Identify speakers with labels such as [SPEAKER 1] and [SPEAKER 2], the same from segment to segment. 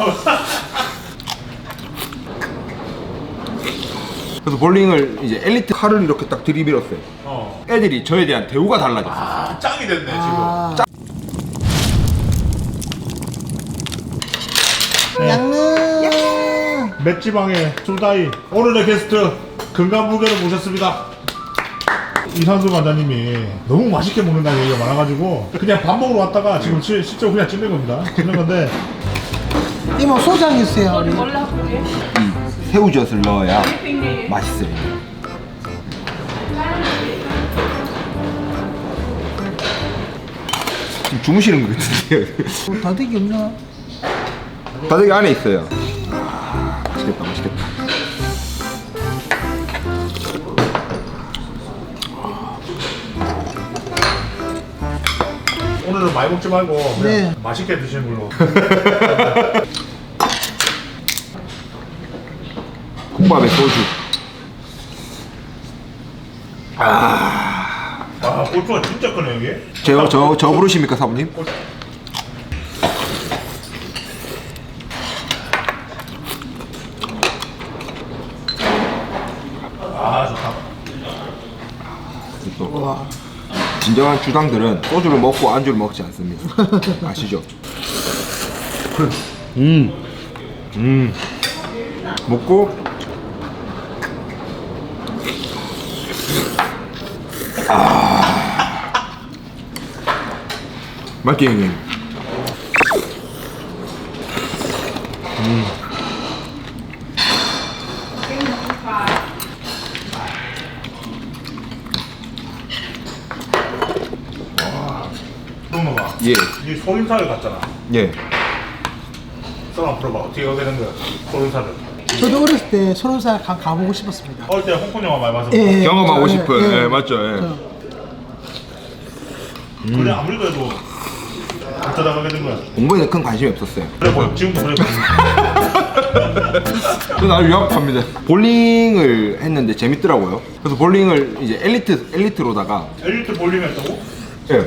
[SPEAKER 1] 그래서 볼링을 이제 엘리트 칼을 이렇게 딱 들이밀었어요. 애들이 저에 대한 대우가 달라졌어요.
[SPEAKER 2] 아, 짱이 됐네
[SPEAKER 3] 아.
[SPEAKER 2] 지금.
[SPEAKER 3] 양릉
[SPEAKER 2] 맷지방의 술다이 오늘의 게스트 금강불개를 모셨습니다. 이상수 관장님이 너무 맛있게 먹는다는 얘기가 많아가지고 그냥 밥 먹으러 왔다가 지금 실제로 그냥 찍는 겁니다. 찍는 건데
[SPEAKER 3] 이모 소장 있어요 우리.
[SPEAKER 1] 새우젓을 넣어야 맛있어요. 지금 주무시는 것 같은데요.
[SPEAKER 3] 다대기 없나?
[SPEAKER 1] 바닥이 안에 있어요. 아, 맛있겠다, 맛있겠다.
[SPEAKER 2] 오늘은 많이 먹지 말고 그냥
[SPEAKER 3] 네.
[SPEAKER 2] 맛있게 드시는 걸로.
[SPEAKER 1] 국밥에 소주.
[SPEAKER 2] 아 고추가 진짜 크네 여기.
[SPEAKER 1] 저 부르십니까, 사부님?
[SPEAKER 2] 아 좋다.
[SPEAKER 1] 또
[SPEAKER 3] 와.
[SPEAKER 1] 진정한 주당들은 소주를 먹고 안주를 먹지 않습니다. 아시죠? 먹고 맛있게 형님.
[SPEAKER 2] 그런 거 봐.
[SPEAKER 1] 예,
[SPEAKER 2] 이 소림사를 갔잖아.
[SPEAKER 1] 예.
[SPEAKER 2] 썰어 풀어봐. 어떻게 하게 된 거야? 소림사를.
[SPEAKER 3] 저도 어렸을 때 30살 가보고 싶었습니다.
[SPEAKER 2] 어릴 때 홍콩 영화 많이 봐서.
[SPEAKER 3] 예,
[SPEAKER 1] 경험하고
[SPEAKER 3] 예,
[SPEAKER 1] 싶은,
[SPEAKER 3] 예.
[SPEAKER 1] 예, 맞죠, 예.
[SPEAKER 2] 그래 아무리 그래도 안 찾아가게 된 거야.
[SPEAKER 1] 공부에는 큰 관심이 없었어요.
[SPEAKER 2] 그래 뭐 지금도 그래.
[SPEAKER 1] 저 나를 유학합니다. 볼링을 했는데 재밌더라고요. 그래서 볼링을 이제 엘리트로다가
[SPEAKER 2] 엘리트 볼링 했다고?
[SPEAKER 1] 예.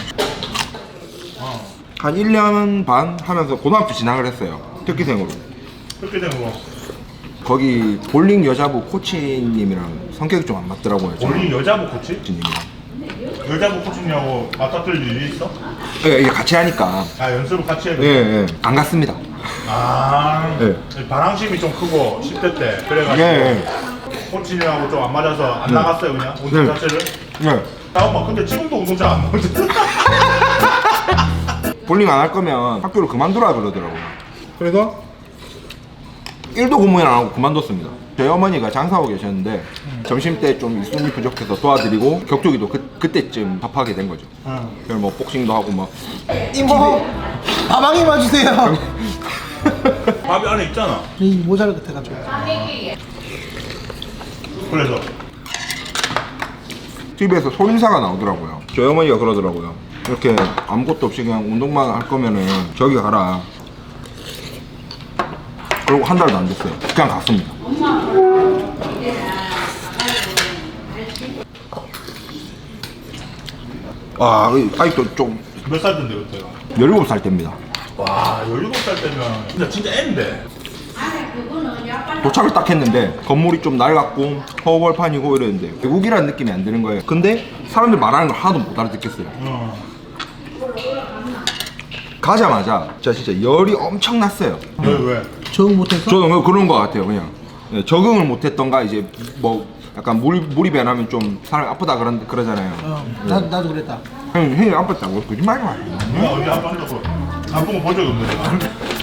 [SPEAKER 1] 한 1년 반 하면서 고등학교 진학을 했어요. 특기생으로.
[SPEAKER 2] 그렇게 된 거.
[SPEAKER 1] 거기 볼링 여자부 코치님이랑 성격이 좀 안 맞더라고요.
[SPEAKER 2] 볼링 여자부 코치?
[SPEAKER 1] 코치님이랑.
[SPEAKER 2] 여자부 코치냐고 맞닥뜨릴 일이 있어?
[SPEAKER 1] 예, 이게 같이 하니까.
[SPEAKER 2] 아 연습을 같이 해야
[SPEAKER 1] 예,
[SPEAKER 2] 돼?
[SPEAKER 1] 예. 안 갔습니다.
[SPEAKER 2] 아
[SPEAKER 1] 예.
[SPEAKER 2] 반항심이 좀 크고 10대 때 그래가지고
[SPEAKER 1] 예,
[SPEAKER 2] 코치님하고 좀 안 맞아서 안 나갔어요 그냥 운동
[SPEAKER 1] 네.
[SPEAKER 2] 자체를.
[SPEAKER 1] 예.
[SPEAKER 2] 잠깐만 근데 지금도 운동 잘 안 나오잖아.
[SPEAKER 1] 볼링 안 할 거면 학교를 그만두라 그러더라고요. 그래서 1도 공부는 안 하고 그만뒀습니다. 저희 어머니가 장사하고 계셨는데 점심 때 좀 일손이 부족해서 도와드리고 격투기도 그때쯤 접하게 된 거죠. 그래서 뭐 복싱도 하고 막
[SPEAKER 3] 이모 가방에 봐주세요.
[SPEAKER 2] 밥이 안에 있잖아.
[SPEAKER 3] 이 모자를 같아가지고.
[SPEAKER 2] 그래서
[SPEAKER 1] TV에서 소인사가 나오더라고요. 저희 어머니가 그러더라고요. 이렇게 아무것도 없이 그냥 운동만 할 거면은 저기 가라. 그리고 한 달도 안 됐어요. 그냥 갔습니다. 와, 아직도 좀
[SPEAKER 2] 몇 살 때인데 그때가?
[SPEAKER 1] 17살 때입니다.
[SPEAKER 2] 와 17살 때면 진짜 애인데.
[SPEAKER 1] 도착을 딱 했는데 건물이 좀 낡았고 허벌판이고 이랬는데 외국이라는 느낌이 안 드는 거예요. 근데 사람들 말하는 걸 하나도 못 알아듣겠어요. 가자마자 진짜 열이 엄청 났어요.
[SPEAKER 2] 왜?
[SPEAKER 3] 적응 못해서.
[SPEAKER 1] 저는 그런 거 같아요. 그냥 예, 적응을 못했던가 이제 뭐 약간 몰입이 안 하면 좀 사람이 아프다 그러잖아요.
[SPEAKER 3] 나도 그랬다.
[SPEAKER 1] 형이 아팠다고 거짓말이 많아요.
[SPEAKER 2] 내가 어디 아팠다고 아픈 거 본 적이 없는데 내가.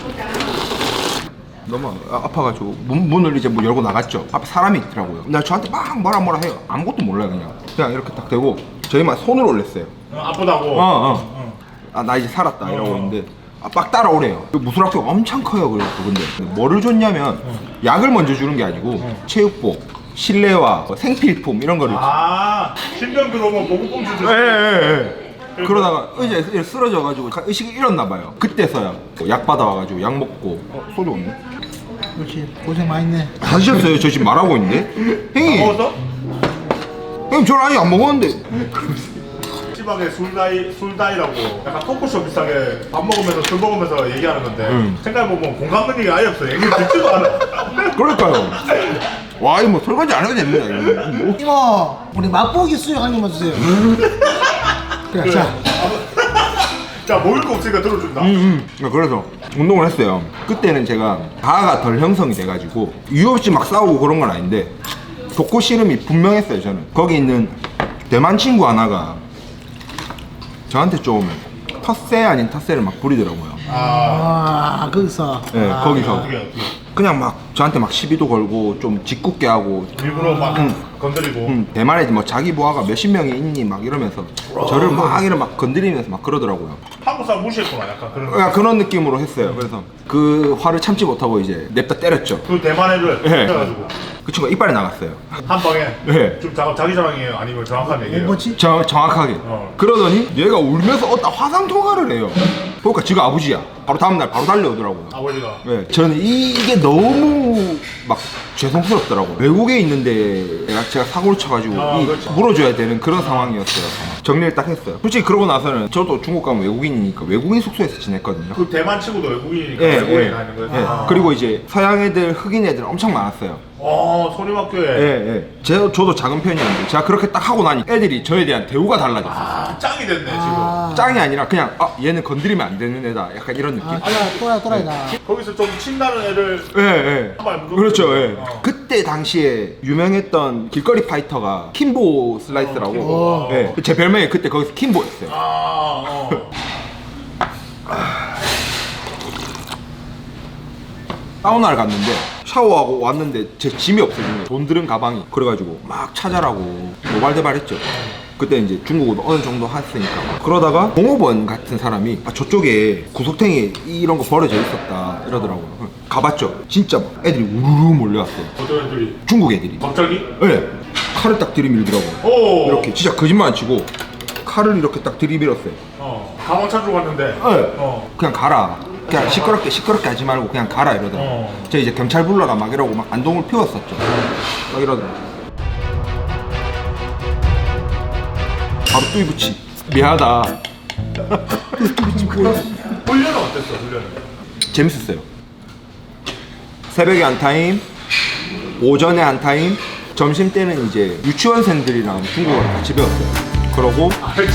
[SPEAKER 1] 너무 아파가지고 문을 이제 뭐 열고 나갔죠. 앞에 사람이 있더라고요. 나 저한테 막 뭐라 해요. 아무것도 몰라요. 그냥 이렇게 딱 대고 저희만 손을 올렸어요.
[SPEAKER 2] 아프다고.
[SPEAKER 1] 아, 나 이제 살았다 이러고 있는데 막 따라오래요. 무술학교가 엄청 커요. 그래서 근데 뭐를 줬냐면 약을 먼저 주는 게 아니고 체육복, 실내화, 생필품 이런 거를
[SPEAKER 2] 아 신병 들어오면 보급품 주죠.
[SPEAKER 1] 예. 그러다가 의자에 쓰러져가지고 의식이 잃었나 봐요. 그때서야 약 받아와가지고 약 먹고 소주 없네.
[SPEAKER 3] 그렇지 고생 많이 했네.
[SPEAKER 1] 다 드셨어요? 저 지금 말하고 있는데? 형님!
[SPEAKER 2] 먹었어?
[SPEAKER 1] 형님 저는 아직 안 먹었는데
[SPEAKER 2] 맵지방의 술다이라고 약간 토크쇼 비슷하게 밥 먹으면서 술 먹으면서 얘기하는 건데 생각해보면 공감 능력이 아예 없어요. 얘기 듣지도 않아.
[SPEAKER 1] 그러니까요. 와 이거 뭐 설거지 안 해도 됩니다. 이거. 뭐.
[SPEAKER 3] 이모 우리 맛보기 수육 한 개만 주세요. 그래 자.
[SPEAKER 2] 자 먹을 거 없으니까 들어준다.
[SPEAKER 1] 그래서 운동을 했어요. 그때는 제가 가가 덜 형성이 돼가지고 이유 없이 막 싸우고 그런 건 아닌데 독고 씨름이 분명했어요. 저는 거기 있는 대만 친구 하나가 저한테 좀 텃세 아닌 텃세를 막 부리더라고요.
[SPEAKER 3] 아 거기서.
[SPEAKER 1] 네,
[SPEAKER 3] 아,
[SPEAKER 1] 거기서
[SPEAKER 2] 어떻게
[SPEAKER 1] 그냥 막 저한테 막 시비도 걸고 좀 짓궂게 하고
[SPEAKER 2] 일부러 막 건드리고.
[SPEAKER 1] 대만에 뭐 자기 부하가 몇십 명이 있니 막 이러면서 저를 막 건드리면서 막 그러더라고요.
[SPEAKER 2] 한국 사람 무시했구나 약간 그런.
[SPEAKER 1] 그냥 그런 느낌으로 했어요. 그래서 그 화를 참지 못하고 이제 냅다 때렸죠.
[SPEAKER 2] 그 대만 애를
[SPEAKER 1] 네.
[SPEAKER 2] 해가지고
[SPEAKER 1] 그 친구가 이빨이 나갔어요.
[SPEAKER 2] 한 방에.
[SPEAKER 1] 네.
[SPEAKER 2] 좀 자기 자랑이에요 아니면 정확한 얘기예요?
[SPEAKER 3] 뭐지?
[SPEAKER 1] 정확하게. 그러더니 얘가 울면서 어디다 화상 통화를 해요. 보니까 지가 아버지야. 바로 다음날 바로 달려오더라고요.
[SPEAKER 2] 아버지가.
[SPEAKER 1] 네, 저는 이게 너무 막 죄송스럽더라고요. 외국에 있는데 제가 사고를 쳐가지고
[SPEAKER 2] 그렇죠.
[SPEAKER 1] 물어줘야 되는 그런 상황이었어요. 정리를 딱 했어요. 솔직히 그러고 나서는 저도 중국 가면 외국인이니까 외국인 숙소에서 지냈거든요.
[SPEAKER 2] 그 대만 친구도 외국인이니까
[SPEAKER 1] 예,
[SPEAKER 2] 외국인이
[SPEAKER 1] 예.
[SPEAKER 2] 다니는 거예요?
[SPEAKER 1] 예.
[SPEAKER 2] 아.
[SPEAKER 1] 그리고 이제 서양 애들, 흑인 애들 엄청 많았어요.
[SPEAKER 2] 소림학교에.
[SPEAKER 1] 예, 예. 저도 작은 편이었는데 제가 그렇게 딱 하고 나니 애들이 저에 대한 대우가 달라졌어요.
[SPEAKER 2] 아, 짱이 됐네
[SPEAKER 1] 짱이 아니라 그냥 얘는 건드리면 안 되는 애다. 약간 이런 느낌?
[SPEAKER 3] 또라이다.
[SPEAKER 2] 지금. 거기서 좀 친다는 애를.
[SPEAKER 1] 예, 예.
[SPEAKER 2] 한발 무조건
[SPEAKER 1] 그렇죠, 예.
[SPEAKER 2] 어.
[SPEAKER 1] 그때 당시에 유명했던 길거리 파이터가 킴보 슬라이스라고.
[SPEAKER 2] 킴보.
[SPEAKER 1] 예. 제 별명이 그때 거기서 킴보였어요. 사우나를 갔는데 샤워하고 왔는데 제 짐이 없어진 거예요. 돈 들은 가방이. 그래가지고 막 찾아라고 노발대발했죠. 그때 이제 중국어도 어느 정도 했으니까. 그러다가 공업원 같은 사람이 저쪽에 구석탱이에 이런 거 버려져 있었다 이러더라고요. 가봤죠. 진짜 막 애들이 우르르 몰려왔어요.
[SPEAKER 2] 어떤 애들이.
[SPEAKER 1] 중국 애들이.
[SPEAKER 2] 갑자기?
[SPEAKER 1] 네. 칼을 딱 들이밀더라고요.
[SPEAKER 2] 오.
[SPEAKER 1] 이렇게 진짜 거짓말 안 치고 칼을 이렇게 딱 들이밀었어요.
[SPEAKER 2] 가방 찾으러 갔는데.
[SPEAKER 1] 네. 그냥 가라. 그냥 시끄럽게 하지 말고 그냥 가라 이러더라고요. 저 이제 경찰 불러라 막 이러고 막 안동을 피웠었죠. 막 이러더라고요. 바로 뚜이부치. 미안하다.
[SPEAKER 2] 훈련은 어땠어 훈련은?
[SPEAKER 1] 재밌었어요. 새벽에 한 타임, 오전에 한 타임, 점심 때는 이제 유치원생들이랑 중국어를 같이 배웠어요. 그러고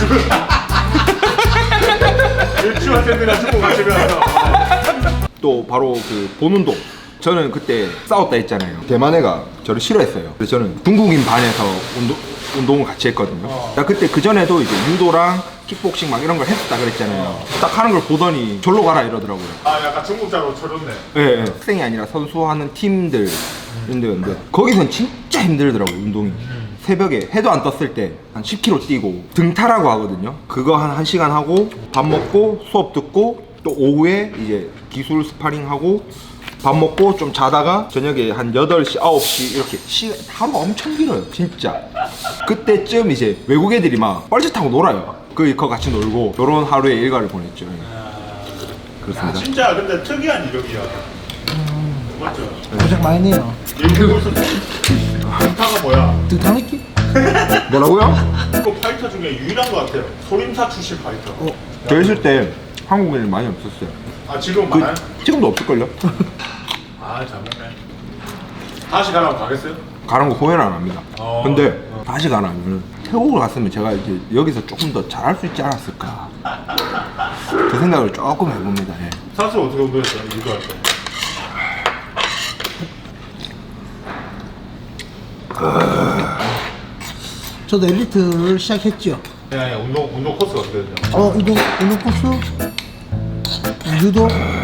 [SPEAKER 2] 유치원생들이랑 중국 같이 배워서.
[SPEAKER 1] 또 바로 그 본운동. 저는 그때 싸웠다 했잖아요. 대만 애가 저를 싫어했어요. 그래서 저는 중국인 반에서 운동을 같이 했거든요. 나 그때 그 전에도 이제 유도랑 킥복싱 막 이런 걸 했었다 그랬잖아요. 딱 하는 걸 보더니 절로 가라 이러더라고요.
[SPEAKER 2] 약간 중국자로 쳐줬네.
[SPEAKER 1] 예, 예. 학생이 아니라 선수하는 팀들 인데였는데 거기선 진짜 힘들더라고요 운동이. 새벽에 해도 안 떴을 때 한 10km 뛰고 등타라고 하거든요. 그거 한 1시간 하고 밥 먹고 수업 듣고 또 오후에 이제 기술 스파링하고 밥 먹고 좀 자다가 저녁에 한 8시, 9시 이렇게 하루가 엄청 길어요 진짜. 그때쯤 이제 외국 애들이 막 뻘짓하고 놀아요. 그거 같이 놀고 요런 하루의 일과를 보냈죠. 그렇습니다.
[SPEAKER 2] 진짜 근데 특이한 이력이야. 맞죠?
[SPEAKER 3] 고생 많이 했네요.
[SPEAKER 2] 얘기해보세요. 등타가 뭐야?
[SPEAKER 3] 등탕 느낌?
[SPEAKER 1] 뭐라고요?
[SPEAKER 2] 그 파이터 중에 유일한 것 같아요. 소림사 출신 파이터.
[SPEAKER 1] 저 있을 때 한국인이 많이 없었어요.
[SPEAKER 2] 지금 많아요?
[SPEAKER 1] 지금도 없을걸요?
[SPEAKER 2] 잘못네. 다시 가라고 가겠어요?
[SPEAKER 1] 가는 거 후회는 안 합니다.
[SPEAKER 2] 어.
[SPEAKER 1] 근데 다시 가라면 태국을 갔으면 제가 이제 여기서 조금 더 잘할 수 있지 않았을까. 그 생각을 조금 해봅니다. 예.
[SPEAKER 2] 사수 어떻게 운동했어요? 유도할 때?
[SPEAKER 3] 저도 엘리트를 시작했죠.
[SPEAKER 2] 아니 운동 코스가 어떻게 되냐?
[SPEAKER 3] 운동 코스, 유도.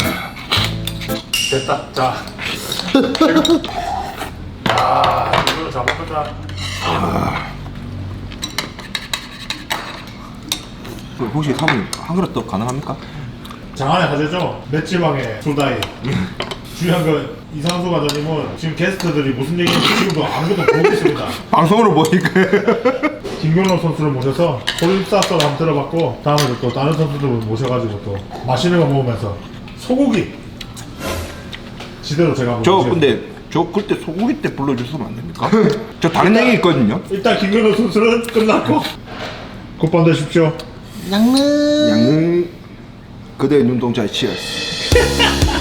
[SPEAKER 2] 됐다. 자. 이거는 잘못했다.
[SPEAKER 1] 혹시 사모님 한 그릇 더 가능합니까?
[SPEAKER 2] 장안의 화제죠? 맷지방의 소다이. 중요한 건 이상수 과장님은 지금 게스트들이 무슨 얘기인지 지금도 아무것도 모르고 있습니다.
[SPEAKER 1] 방송으로 보니까
[SPEAKER 2] 김경록 선수를 모셔서 소림사 썰 한번 들어봤고 다음에 또 다른 선수들 모셔가지고 또 맛있는 거 먹으면서 소고기 지대로 제가 한번
[SPEAKER 1] 저
[SPEAKER 2] 모시겠습니다.
[SPEAKER 1] 근데 저 그때 소고기 때 불러주시면 안 됩니까? 저 다른 얘기 있거든요.
[SPEAKER 2] 일단 김경록 선수는 끝났고 굿밤 되십시오.
[SPEAKER 3] 양릉.
[SPEAKER 1] 양릉 그대의 눈동자에 치얼스.